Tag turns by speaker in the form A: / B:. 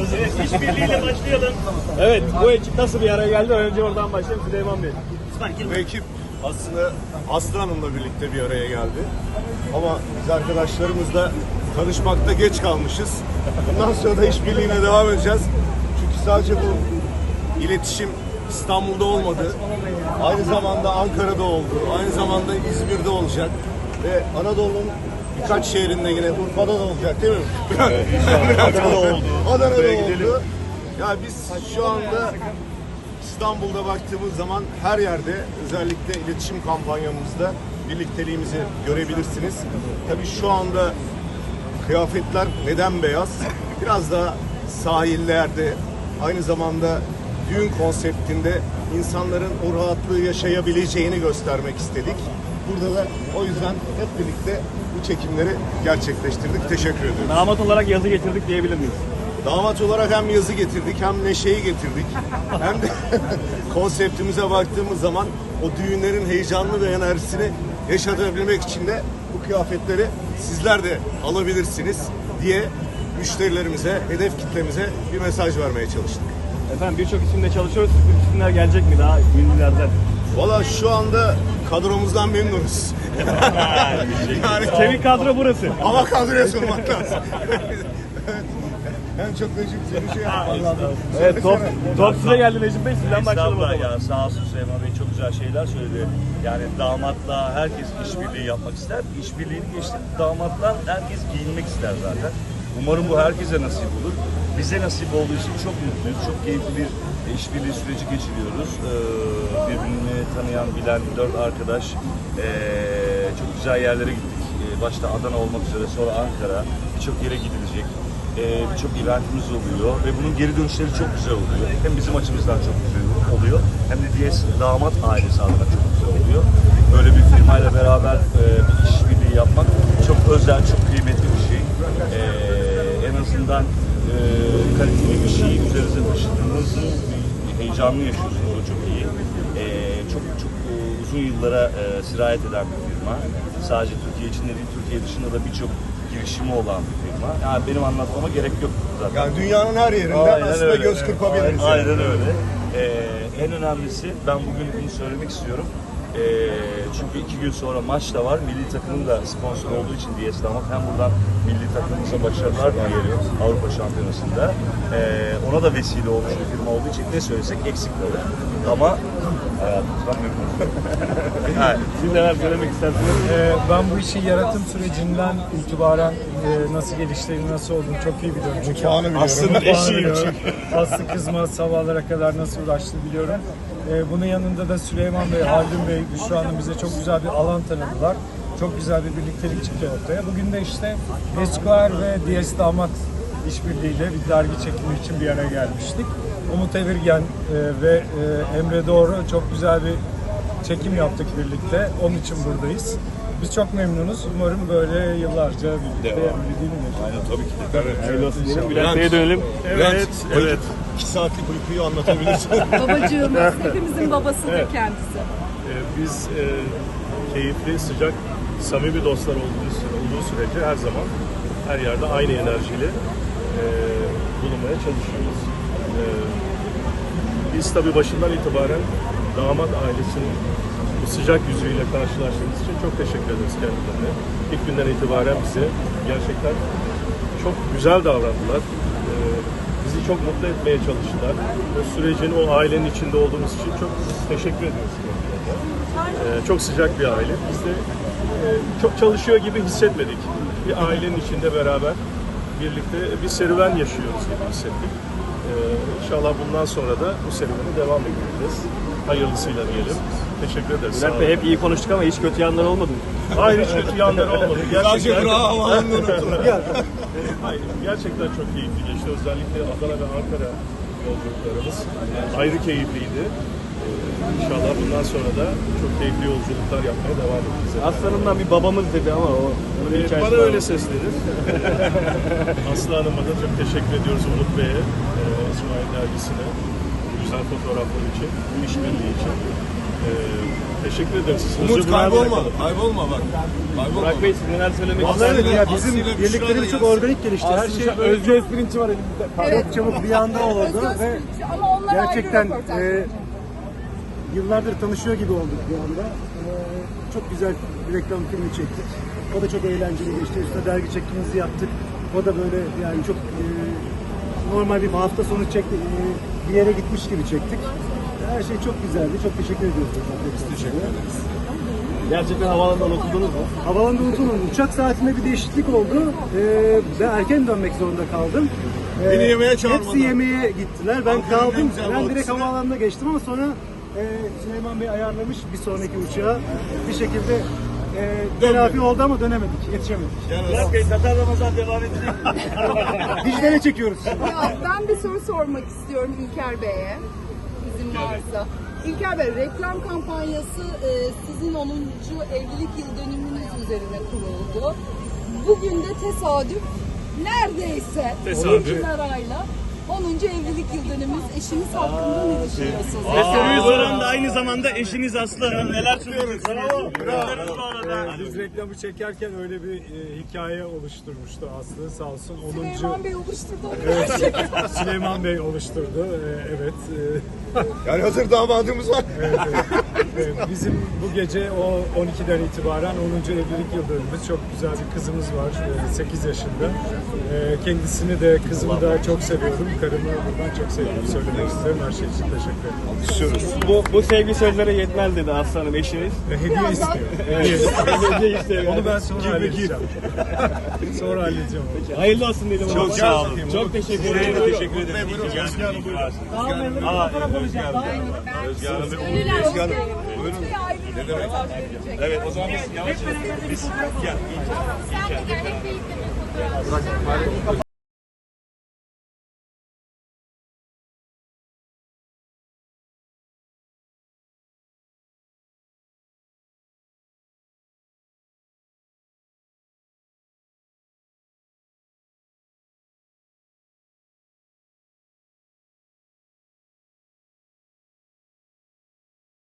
A: Evet, işbirliğiyle başlayalım.
B: Evet, bu ekip nasıl bir araya geldi? Önce oradan başlayalım Süleyman Bey.
C: Bu ekip aslında Aslı Hanım'la birlikte bir araya geldi. Ama biz arkadaşlarımızla tanışmakta geç kalmışız. Bundan sonra da işbirliğine devam edeceğiz. Çünkü sadece bu iletişim İstanbul'da olmadı. Aynı zamanda Ankara'da oldu. Aynı zamanda İzmir'de olacak. Ve Anadolu'nun birkaç şehrinde yine Urfa'da da olacak değil mi?
B: Evet, Adana'da oldu.
C: Adana'da oldu. Ya biz şu anda İstanbul'da baktığımız zaman her yerde özellikle iletişim kampanyamızda birlikteliğimizi görebilirsiniz. Tabii şu anda kıyafetler neden beyaz? Biraz da sahillerde aynı zamanda düğün konseptinde insanların o rahatlığı yaşayabileceğini göstermek istedik. Burada da o yüzden hep birlikte bu çekimleri gerçekleştirdik. Teşekkür ediyorum.
B: Damat olarak yazı getirdik diyebilir miyiz?
C: Damat olarak hem yazı getirdik hem neşeyi getirdik. Hem de konseptimize baktığımız zaman o düğünlerin heyecanlı ve enerjisini yaşatabilmek için de bu kıyafetleri sizler de alabilirsiniz diye müşterilerimize, hedef kitlemize bir mesaj vermeye çalıştık.
B: Efendim birçok isimle çalışıyoruz. Bu isimler gelecek mi daha ünlülerden?
C: Valla şu anda kadromuzdan memnunuz.
B: Yani kemik kadro burası.
C: Ama kadroya sunmak lazım. En çok Necip seni şey yapman lazım.
B: Evet, top size geldi Necip Bey. Sizden başlayalım o
A: Estağfurullah
B: zaman.
A: ya, sağ olsun Süleyman Bey, çok güzel şeyler söyledi. Yani damatla herkes işbirliği yapmak ister. İşbirliğini geçtim, damattan herkes giyinmek ister zaten. Umarım bu herkese nasip olur. Bize nasip olduğu için çok mutluyuz. Çok keyifli bir işbirliği süreci geçiriyoruz. Birbirini tanıyan, bilen 4 arkadaş. Çok güzel yerlere gittik. Başta Adana olmak üzere, sonra Ankara. Birçok yere gidilecek. Birçok eventimiz oluyor ve bunun geri dönüşleri çok güzel oluyor. Hem bizim açımızdan çok güzel oluyor, hem de diğer damat ailesi adına çok güzel oluyor. Böyle bir firmayla beraber bir işbirliği yapmak çok özel, çok kıymetli bir şey. En azından kaliteli bir şeyi üzerinize taşıdığınız heyecanlı yaşıyorsunuz, o çok iyi. Çok uzun yıllara sirayet eden bir firma. Sadece Türkiye içinde değil, Türkiye dışında da birçok girişimi olan bir firma. Yani benim anlatmama gerek yok zaten.
C: Yani dünyanın her yerinden aslında
A: öyle.
C: göz kırpabiliriz.
A: Aynen öyle. En önemlisi, ben bugün bunu söylemek istiyorum. Çünkü 2 gün sonra maç da var. Milli takımın da sponsor olduğu için DS Damat, hem buradan milli takımımıza başarılar diliyorum Avrupa Şampiyonası'nda. Ona da vesile olmuş bir firma olduğu için ne söylesek eksik kalır. Ama hayatımızdan memnunum.
B: Evet. Siz neler söylemek istersiniz?
D: Ben bu işi yaratım sürecinden itibaren nasıl geliştiğini, nasıl olduğunu çok iyi biliyorum. Çünkü
C: Puanı biliyorum.
B: Aslı'nın eşiyim çünkü.
D: Aslı kızma sabahlara kadar nasıl uğraştı biliyorum. Bunun yanında da Süleyman Bey, Haldun Bey, Büşra Hanım bize çok güzel bir alan tanıdılar. Çok güzel bir birliktelik çıktı ortaya. Bugün de işte Esquire ve DS Damat işbirliğiyle bir dergi çekimi için bir araya gelmiştik. Umut Evirgen ve Emre Doğru çok güzel bir çekim yaptık birlikte. Onun için buradayız. Biz çok memnunuz. Umarım böyle yıllarca birlikte değil mi?
A: Aynen, tabii ki de.
B: Hayırlı olsun diyelim. Bülent Bey'e dönelim.
A: Evet, evet.
C: 2 saatlik uykuyu anlatabilirsin.
E: Babacığımız, hepimizin babasıdır kendisi.
F: Biz keyifli, sıcak, samimi dostlar olduğu sürece her zaman her yerde aynı enerjiyle bulunmaya çalışıyoruz. Biz tabii başından itibaren damat ailesinin bu sıcak yüzüyle karşılaştığımız için çok teşekkür ederiz kendilerine. İlk günden itibaren bize gerçekten çok güzel davrandılar. Bizi çok mutlu etmeye çalıştılar. O sürecin, o ailenin içinde olduğumuz için çok teşekkür ediyoruz kendilerine. Çok sıcak bir aile. Biz de çok çalışıyor gibi hissetmedik. Bir ailenin içinde beraber birlikte bir serüven yaşıyoruz gibi hissettik. İnşallah bundan sonra da bu serüvene devam edeceğiz. Hayırlısıyla diyelim. Teşekkür ederiz.
B: Bülent Bey hep iyi konuştuk ama hiç kötü yanlar olmadı mı?
F: Hayır, hiç kötü yanları olmadı.
C: Sadece bravo unuttum.
F: Hayır, gerçekten çok keyifli geçti. Özellikle Adana ve Ankara yolculuklarımız ayrı keyifliydi. İnşallah bundan sonra da çok keyifli yolculuklar yapmaya devam edeceğiz.
B: Aslanımdan bir babamız dedi ama o bunun hikayesi
F: Bana
B: var.
F: öyle seslenir. Aslı Hanım'a da çok teşekkür ediyoruz, Umut Bey'e, İsmail Dergisi'ne, güzel fotoğraflar için, bu işbirliği için. Teşekkür ederim. Siz
C: Umut
F: huzur bırakın.
C: kaybolma bak.
B: Burak Bey siz neler söylemek
C: Vallahi
B: istersiniz?
C: evet,
D: Ya bizim
C: Aslı'yla
D: birliklerimiz
C: Büşra
D: çok
C: da
D: organik gelişti. Her şey böyle
B: Özgü esprinçi var elimizde.
D: çok çabuk bir anda oldu ve
E: Ama onlar
D: gerçekten
E: ayrı röportaj.
D: yıllardır tanışıyor gibi olduk bir anda. Çok güzel bir reklam filmi çektik. O da çok eğlenceli geçti. Üstüne dergi çekimimizi yaptık. O da böyle yani çok normal bir hafta sonu çektik. Bir yere gitmiş gibi çektik. Her şey çok güzeldi. Çok teşekkür ediyoruz. Teşekkür ederiz.
B: Gerçekten havaalanından oturdunuz mu?
D: Havalanda unutulmadı. Uçak saatinde bir değişiklik oldu. Ben erken dönmek zorunda kaldım.
C: Beni yemeğe çağırmadı.
D: Hepsi yemeğe gittiler. Ben
C: Ankara'nın en
D: kaldım.
C: güzel
D: Ben direkt
C: balıkçısı.
D: havaalanına geçtim ama sonra Süleyman Bey ayarlamış bir sonraki uçağa. Bir şekilde telafi oldu ama dönemedik. Yetişemedik.
A: Burak Bey, Tatar Ramazan devam edecek.
D: Dijitale çekiyoruz.
E: Ya ben bir soru sormak istiyorum İlker Bey'e. İzin varsa. İlker Bey, reklam kampanyası sizin 10. evlilik yıl dönümünüz üzerine kuruldu. Bugün de tesadüf neredeyse 10. arayla 10. evlilik yıl dönümümüz. Eşiniz hakkında ne düşünüyorsunuz?
B: Ve soruyu soran da aynı zamanda eşiniz Aslı Hanım. Neler söylüyorsunuz?
D: Biz reklamı çekerken öyle bir hikaye oluşturmuştu Aslı sağ olsun. 10.
E: Süleyman Bey oluşturdu o
D: Süleyman Bey oluşturdu. Evet.
C: Yani hazır damadımız var.
D: Evet, bizim bu gece o 12'den itibaren 10. evlilik yıl dönümümüz. Çok güzel bir kızımız var. 8 yaşında. Kendisini de kızımı da çok seviyorum. Karımı buradan çok seviyorum. Söylemek isterim. Her şey için teşekkür ederim.
B: Bu sevgi sözlere yetmez dedi Aslı Hanım eşiniz.
D: Hediye istiyor.
B: Hediye istiyor.
D: Onu ben sonra halledeceğim. Sonra halledeceğim.
B: Hayırlı olsun dedim.
A: Çok sağ olun.
B: Çok teşekkür
A: Size
B: ederim.
A: de teşekkür ederim. Özge Hanım buyurun. Özge Hanım. Özge Hanım. Buyurun.
E: Ne demek?
A: Evet, o zaman biz yavaş yavaş. Biz gel.
G: Sen de gel hep birlikte bir fotoğraf.